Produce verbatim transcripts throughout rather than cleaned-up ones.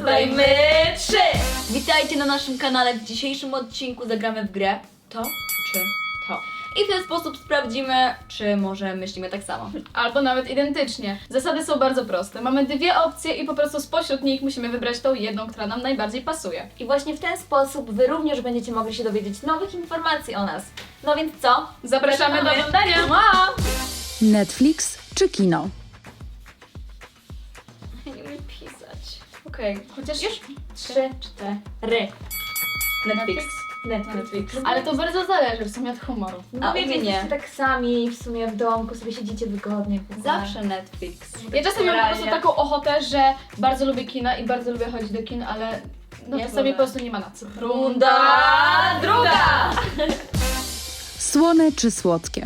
Dodajmy trzy! Witajcie na naszym kanale. W dzisiejszym odcinku zagramy w grę to czy to. I w ten sposób sprawdzimy, czy może myślimy tak samo. Albo nawet identycznie. Zasady są bardzo proste. Mamy dwie opcje i po prostu spośród nich musimy wybrać tą jedną, która nam najbardziej pasuje. I właśnie w ten sposób Wy również będziecie mogli się dowiedzieć nowych informacji o nas. No więc co? Zapraszamy do Zaczynamy. oglądania! Wow! Netflix czy kino? Nie umiem pisać. Okej. Chociaż Już? Trzy, cztery. Netflix. Netflix. Ale to bardzo zależy w sumie od humoru. A A u mnie wiecie, nie. jesteście tak sami w sumie w domku, sobie siedzicie wygodnie. w ogóle. Zawsze Netflix. Ja czasem mam po prostu Realnie. taką ochotę, że bardzo lubię kina i bardzo lubię chodzić do kin, ale no Nie czasami wolę. po prostu nie ma na co. Runda druga! Słone czy słodkie?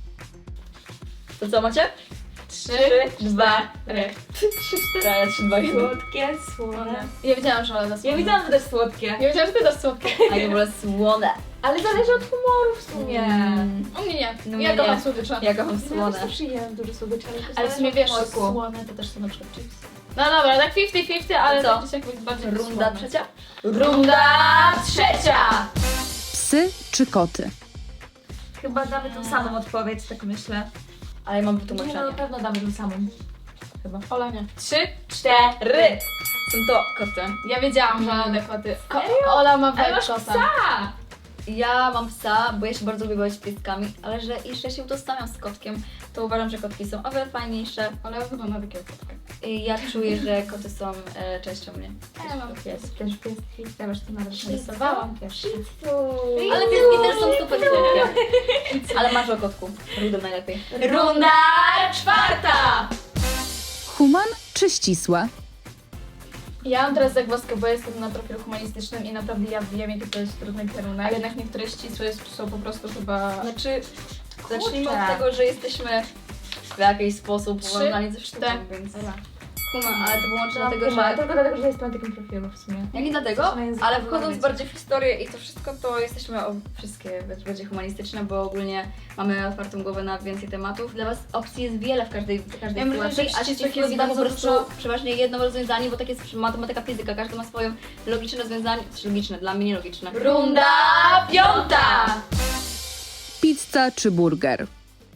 To co macie? Trzy, dwa, cztery. trzy, cztery, trzy, dwa, jeden. Słodkie, słone. Ja wiedziałam, że Ola da słone. Ja widziałam, że też słodkie. Ja wiedziałam, że ty dasz słodkie. A ja wolę słone. Ale zależy od humoru w sumie. Mm. U mnie nie. No ja mnie kocham nie. słodycze. Ja kocham Ja słone. też jem dużo słodyczy, ale, to Ale w zależy sumie od wiesz, że smaku. słone to też są na przykład chipsy. No dobra, tak pięćdziesiąt pięćdziesiąt, ale Co? tak czy siak jest bardziej Runda słone. trzecia? Runda trzecia! Psy czy koty? Chyba damy tą samą odpowiedź, tak myślę. Ale ja mam Nie, no wytłumaczenie. na pewno damy tą samą. Chyba. Ola nie. Trzy, Cztery! Są to koty. Ja wiedziałam, że Ola da koty. Ko Ola ma Ale vibe masz kota. psa! Ja mam psa, bo ja się bardzo lubię bawić z pieskami, ale że jeszcze się utożsamiam z kotkiem, to uważam, że kotki są o wiele fajniejsze. Ola wygląda takiego kotka. I ja czuję, że koty są e, częścią mnie. Ja mam pies. Też pieski, ja już to nawet Narysowałam też. Ale pieski też są super słodkie. Ale masz o kotku. Rudę najlepiej. Runda czwarta! Human czy ścisłe? Ja mam teraz zagwozdkę, bo jestem na profilu humanistycznym i naprawdę ja wiem, jaki to jest trudny kierunek. Jednak niektóre ścisłe są po prostu chyba... Znaczy, zacznijmy Kurczę. od tego, że jesteśmy w jakiś sposób Trzy, powiązani ze sztuką, cztery. więc... Human, ale to wyłącznie dlatego, Dlatego, że... Tylko dlatego, że jestem na takim profilu w sumie. Ja nie dlatego, Jesteśmy językowo ale wchodząc robić. bardziej w historię i to wszystko, to jesteśmy o wszystkie bardziej humanistyczne, bo ogólnie mamy otwartą głowę na więcej tematów. Dla Was opcji jest wiele w każdej, w każdej Ja myślę, sytuacji, że a ścisłych ścisłych jest da po bardzo prostu dużo. przeważnie jedno rozwiązanie, bo tak jest matematyka, fizyka, każdy ma swoje logiczne rozwiązanie, czy logiczne, dla mnie nielogiczne. Runda piąta! Pizza czy burger?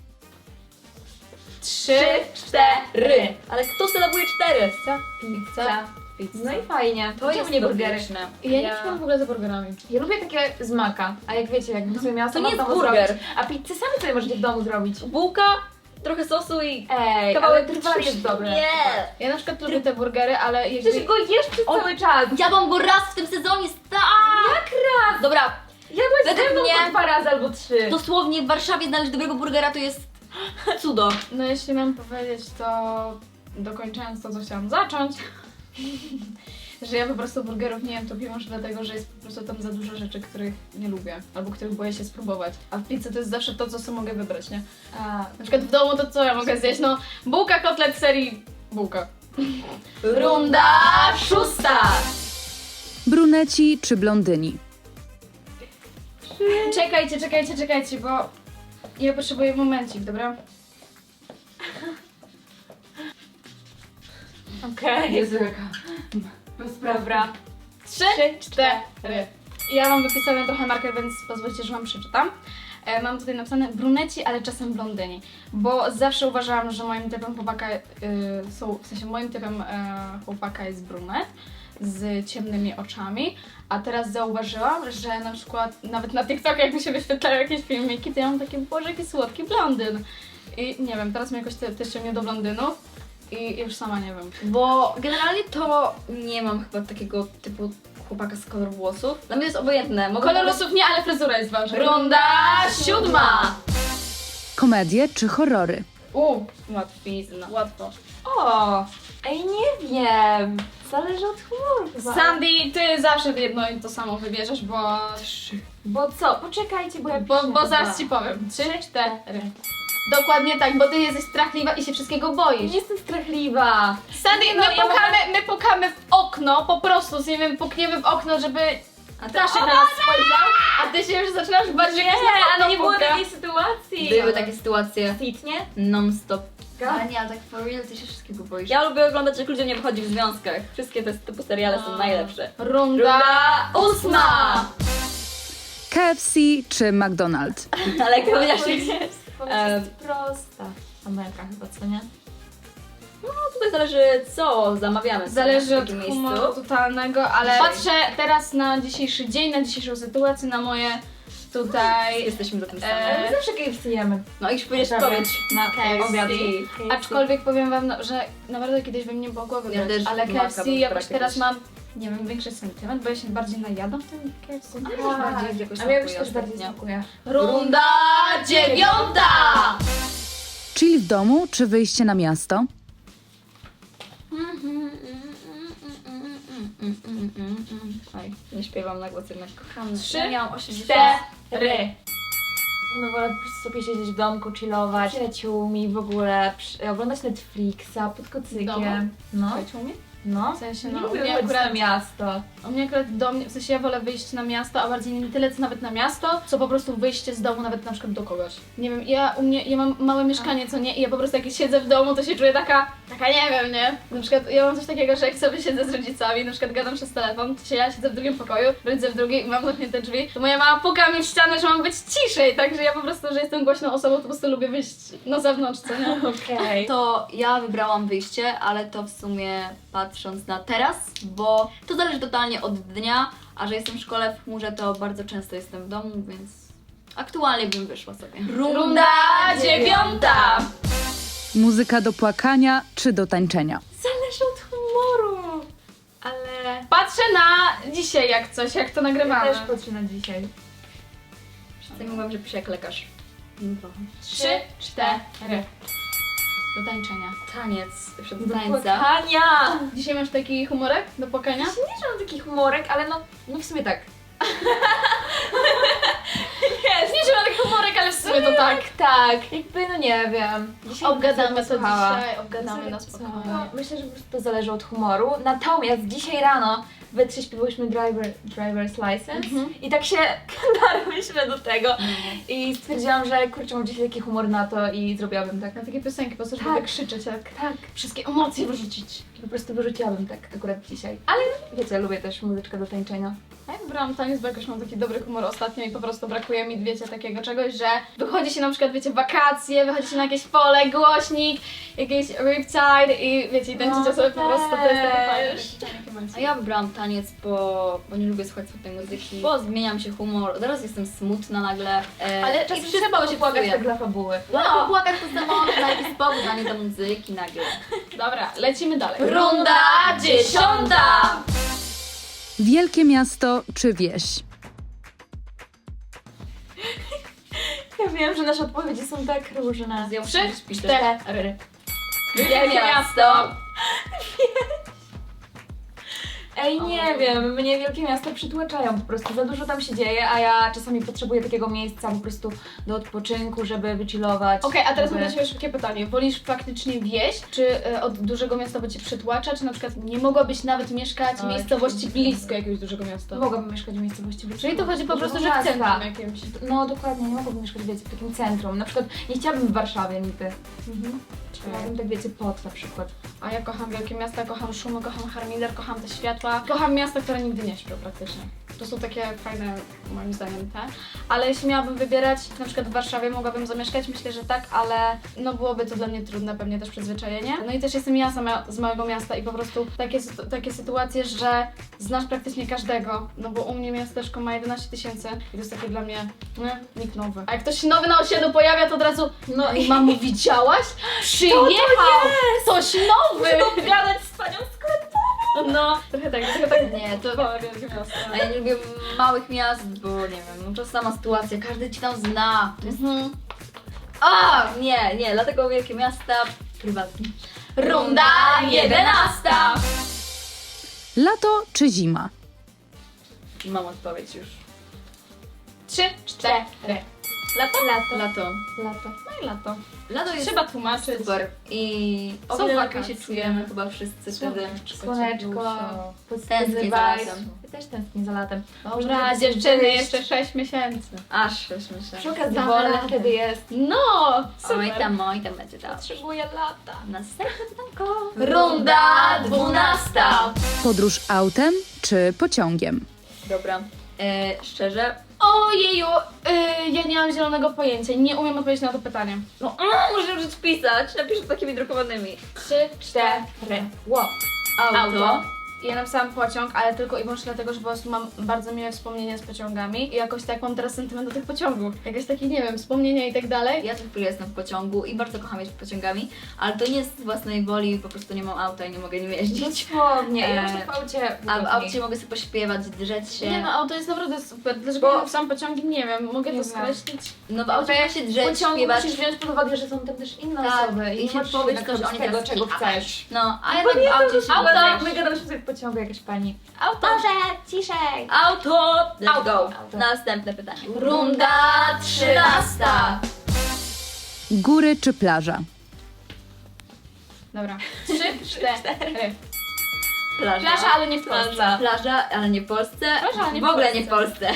Trzy, cztery! Ale kto sylabuje cztery? Pizza, pizza. Pizza. No i fajnie. To jest nie burgery. logiczne. Ja nie przypadam w ogóle za burgerami. Ja lubię takie z maka, a jak wiecie, jakbym sobie miała To sama nie w jest domu burger. zrobić. A pizzę sami sobie możecie w domu zrobić. Bułka, trochę sosu i... Ej, Kawałek ale trwale jest dobre. Nie! Ja na przykład lubię te burgery, ale jakby... Przecież go jesz przez On- cały czas. Jadłam go raz w tym sezonie, sta! Jak raz? Dobra, Jadłeś Według ze mną mnie- po dwa razy albo trzy. dosłownie w Warszawie znaleźć dobrego burgera to jest cudo. No jeśli mam powiedzieć, to dokończając to, co chciałam zacząć, że ja po prostu burgerów nie jem, to wiem już dlatego, że jest po prostu tam za dużo rzeczy, których nie lubię, albo których boję się spróbować. A w pizzy to jest zawsze to, co sobie mogę wybrać, nie? A, Na przykład w domu to co ja mogę zjeść? No, bułka, kotlet z serii bułka. Runda szósta! Bruneci czy blondyni? Czekajcie, czekajcie, czekajcie, bo ja potrzebuję momencik, dobra? okej. Jezu, jaka bezprawra. Trzy, cztery. Ja mam wypisane trochę marker, więc pozwólcie, że wam przeczytam. E, mam tutaj napisane bruneci, ale czasem blondyni, bo zawsze uważałam, że moim typem chłopaka y, są, w sensie moim typem e, chłopaka jest brunet z ciemnymi oczami, a teraz zauważyłam, że na przykład nawet na TikToku jak mi się wyświetlają jakieś filmiki, to ja mam takie, boże, jaki słodki blondyn. I nie wiem, teraz mnie jakoś te, też ciągnie do blondynów i już sama nie wiem. Bo generalnie to nie mam chyba takiego typu chłopaka z kolor włosów. Dla mnie jest obojętne. Mogę Kolor po prostu- losów nie, ale fryzura jest ważna. Runda siódma! Komedie czy horrory? U, Łatwizna. łatwo. O, ej, nie wiem. Zależy od humoru chyba. Sandy, ty zawsze jedno i to samo wybierzesz, bo... Bo co? Poczekajcie, bo ja Bo, piszę bo zaraz chyba. ci powiem. Trzy, cztery. Dokładnie tak, bo ty jesteś strachliwa i się wszystkiego boisz. Nie jestem strachliwa. Sandy, no, my, ja pukamy, my pukamy w okno, po prostu, nie wiem, pukniemy w okno, żeby A Staszek na nas spojrzał, a ty się już zaczynasz bardziej Nie, jakoś na ale nie było puka. takiej sytuacji. Były takie sytuacje Fit, nie? non-stop. Ale nie, ale tak for real, ty się wszystkiego boisz. Ja lubię oglądać, jak ludzie nie wychodzi w związkach. Wszystkie te typu seriale są najlepsze. Runda, Runda ósma! K F C czy McDonald's? Ale jak powiedziałaś, Odpowiedź że... jest, odpowiedź Em. jest prosta. Ameryka chyba, co nie? No tutaj zależy co zamawiamy sobie Zależy w od takim humoru miejscu. totalnego, ale patrzę teraz na dzisiejszy dzień, na dzisiejszą sytuację, na moje tutaj... Jesteśmy za tym E, samym. Ale my zawsze K F C jemy. No i powiesz Dobra. powiedz na K F C. obiad. Aczkolwiek powiem wam, no, że naprawdę kiedyś bym nie mogła wybrać, też ale K F maka C bym jakoś brała teraz kiedyś. mam, nie wiem, większy sentyment, bo ja się bardziej najadam w tym K F C. też bardziej jakoś A mnie już smakuje też bardziej ostatnio. smakuje. Runda dziewiąta! Chill w domu czy wyjście na miasto? Oj, nie śpiewam na głos jednak. Kocham. Trzy, Ja miałam osiemdziesiąt. cztery. No wolę po prostu sobie siedzieć w domku, chillować, z przyjaciółmi, w ogóle przy, oglądać Netflixa pod W domu? kocykiem. No, Słuchajcie, u mnie? no. W sensie, Nie no, u lubię mnie chodzić akurat na miasto. U mnie akurat do mnie, w sensie ja wolę wyjść na miasto, a bardziej nie tyle co nawet na miasto, co po prostu wyjście z domu nawet na przykład do kogoś. Nie wiem, ja u mnie, ja mam małe mieszkanie, co nie, i ja po prostu jak siedzę w domu, to się czuję taka, taka nie wiem, nie? Na przykład ja mam coś takiego, że jak sobie siedzę z rodzicami, na przykład gadam przez telefon, to się ja siedzę w drugim pokoju, rodzice w drugim i mam zamknięte drzwi, to moja mama puka mi w ścianę, że mam być ciszej, także ja po prostu, że jestem głośną osobą, to po prostu lubię wyjść na zewnątrz, co nie? Okej. To ja wybrałam wyjście, ale to w sumie patrząc na teraz, bo to zależy totalnie od dnia, a że jestem w szkole w chmurze, to bardzo często jestem w domu, więc aktualnie bym wyszła sobie. Runda dziewiąta! Muzyka do płakania czy do tańczenia? Zależy od humoru. Ale Patrzę na dzisiaj jak coś, jak to ja nagrywamy. też patrzę na dzisiaj. Wszyscy mówią, że piszę jak lekarz. No. Trzy, cztery. Do tańczenia. Taniec przed Do tańca. płakania. Dzisiaj masz taki humorek do płakania? Ja nie, że mam taki humorek, ale no, no w sumie tak. Nie, że mam taki humorek, ale w sumie to tak. Tak, jakby no nie wiem. Dzisiaj Obgadamy to posłuchała. dzisiaj, obgadamy na No, spokojnie. myślę, że po prostu to zależy od humoru. Natomiast dzisiaj rano we trzy śpiewałyśmy driver, Driver's License Mhm. i tak się darłyśmy do tego i stwierdziłam, że kurczę, mam dzisiaj taki humor na to i zrobiłabym tak. Na takie piosenki, po prostu, żeby Tak. tak krzyczeć, tak. Tak, Wszystkie emocje wyrzucić. i po prostu wyrzuciłabym tak akurat dzisiaj. Ale wiecie, lubię też muzyczkę do tańczenia. Ja wybrałam taniec, bo jakoś mam taki dobry humor ostatnio i po prostu brakuje mi, wiecie, takiego czegoś, że wychodzi się na przykład, wiecie, wakacje, wychodzi się na jakieś pole, głośnik, jakieś riptide i wiecie, i tańczycie No, sobie po prostu, to jest takie fajne. też. A ja wybrałam taniec, bo, bo nie lubię słuchać smutnej muzyki, bo zmieniam się humor, teraz jestem smutna nagle. E, Ale i czasem wszystko trzeba się popłakać psuje. tak dla fabuły. No, ale popłakać to samo na jakiś powód, a nie do muzyki nagle. Dobra, lecimy dalej. Runda dziesiąta! Wielkie miasto czy wieś? Ja wiem, że nasze odpowiedzi są tak różne. Ja Trzy, muszę śpić cztery. Wielkie miasto! Ej, nie wiem, mnie wielkie miasta przytłaczają po prostu, za dużo tam się dzieje, a ja czasami potrzebuję takiego miejsca po prostu do odpoczynku, żeby wychillować. Okej, a teraz mam żeby... do Ciebie szybkie pytanie. Wolisz faktycznie wieś, czy e, od dużego miasta, bo Cię przytłacza, czy na przykład nie mogłabyś nawet mieszkać w Oj, miejscowości czy- blisko jakiegoś dużego miasta? Mogłabym mieszkać w miejscowości blisko. Czyli to chodzi po prostu, że Dużego w centrum miasta. jakimś. No dokładnie, nie mogłabym mieszkać, wiecie, w takim centrum. Na przykład nie chciałabym w Warszawie nigdy. Mhm. Chciałabym tak, wiecie, pod na przykład. A ja kocham wielkie miasta, kocham szumy, kocham harmider, kocham te światła. Kocham miasta, które nigdy nie śpią praktycznie. To są takie fajne, moim zdaniem, te. Ale jeśli miałabym wybierać, na przykład w Warszawie mogłabym zamieszkać, myślę, że tak, ale no byłoby to dla mnie trudne, pewnie też przyzwyczajenie. No i też jestem ja sama z małego miasta i po prostu takie, sytu- takie sytuacje, że znasz praktycznie każdego, no bo u mnie miasteczko ma jedenaście tysięcy i to jest takie dla mnie, nie, nikt nowy. A jak ktoś się nowy na osiedlu pojawia, to od razu, no i mamo, widziałaś? Przyjechał! Coś nowy! Opowiadać z panią sklepową! No, trochę tak, trochę tak. Nie, to... Małe wielkie miasto. A ja nie lubię małych miast, bo nie wiem, no to sama sytuacja, każdy ci tam zna. To jest... Mhm. A, nie, nie, dlatego wielkie miasta prywatnie. Runda jedenasta! Lato czy zima? I mam odpowiedź już. Trzy, cztery. Lato? Lato. Lato. Lato. No i lato. Lato jest Trzeba tłumaczyć. super i o Są wiele lepiej się wakacje. czujemy chyba wszyscy wtedy. Słoneczko, Tęsknię pozytywny za vibe. latem. Ja też tęsknię za latem. Dobra, Można dziewczyny, wyjść. jeszcze sześć miesięcy. Aż już myślę. Przy okazji Damy wolne radę. wtedy jest. No, super. Oj tam, oj tam będzie tak. Potrzebuję lata. Następne pytanko. Runda dwunasta. Podróż autem czy pociągiem? Dobra. E, szczerze, Ojeju, yy, ja nie mam zielonego pojęcia, nie umiem odpowiedzieć na to pytanie. no mm, muszę już pisać, napiszę takimi drukowanymi. Trzy, Cztery. Wow. Auto. Ja napisałam pociąg, ale tylko i wyłącznie dlatego, że po prostu mam bardzo miłe wspomnienia z pociągami i jakoś tak mam teraz sentyment do tych pociągów. Jakieś takie, nie wiem, wspomnienia i tak dalej. Ja co chwilę jestem w pociągu i bardzo kocham jeździć pociągami, ale to nie z własnej woli, po prostu nie mam auta i nie mogę nim jeździć. Dosłownie. Ja Eee, właśnie w aucie A w wygodniej. aucie mogę sobie pośpiewać, drzeć się. Nie no, auto jest naprawdę super. Dlaczego Bo- ja napisałam pociągi? Nie wiem, mogę Nie to wiem. skreślić? No w aucie mogę się W drzeć, pociągu śpiewać. musisz wziąć pod uwagę, że są tam też inne Tak, osoby i i się nie możesz powiedz jednak to, że robić oni tego, teraz czego kichasz. chcesz. No, a jednak w aucie się Auto! drzeć. My gadamy sobie w pociągu, jakaś pani. Auto! ciszej! Auto! Let's Auto. go. Auto. Następne pytanie. Runda trzynasta. Góry czy plaża? Dobra. Trzy, cztery. Plaża. Plaża, ale nie w Polsce. Plaża, plaża, ale nie w Polsce. Plaża, ale nie w w ogóle Polsce. nie w Polsce.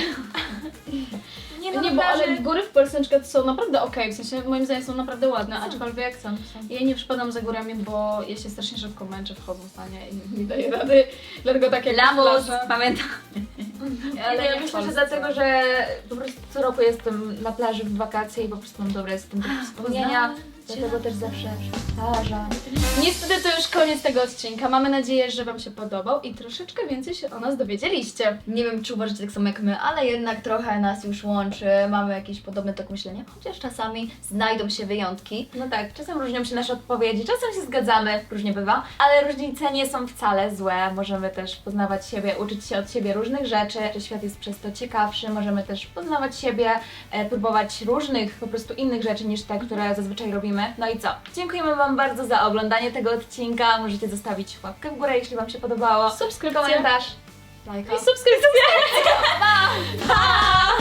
Nie, Nie, bo ale góry w Polsce na przykład są naprawdę okej, w sensie moim zdaniem są naprawdę ładne, aczkolwiek Są, są. ja nie przypadam za górami, bo ja się strasznie szybko męczę wchodząc na nie i nie daję rady, dlatego tak jak Lamus, plaża. pamiętam. Ale Ale ja nie w myślę, że Polsce. dlatego, że po prostu co roku jestem na plaży w wakacje i po prostu mam dobre z tym takie wspomnienia. Dlatego też zawsze plaża. Niestety to już koniec tego odcinka. Mamy nadzieję, że Wam się podobał i troszeczkę więcej się o nas dowiedzieliście. Nie wiem, czy uważacie tak samo jak my, ale jednak trochę nas już łączy. Mamy jakiś podobny tok myślenia, chociaż czasami znajdą się wyjątki. No tak, czasem różnią się nasze odpowiedzi, czasem się zgadzamy, różnie bywa, ale różnice nie są wcale złe. Możemy też poznawać siebie, uczyć się od siebie różnych rzeczy, że świat jest przez to ciekawszy. Możemy też poznawać siebie, e, próbować różnych, po prostu innych rzeczy niż te, które zazwyczaj robimy. No i co? Dziękujemy Wam bardzo za oglądanie tego odcinka. Możecie zostawić łapkę w górę, jeśli Wam się podobało. Subskrypcja. Komentarz. Lajka. I subskrypcja. Pa!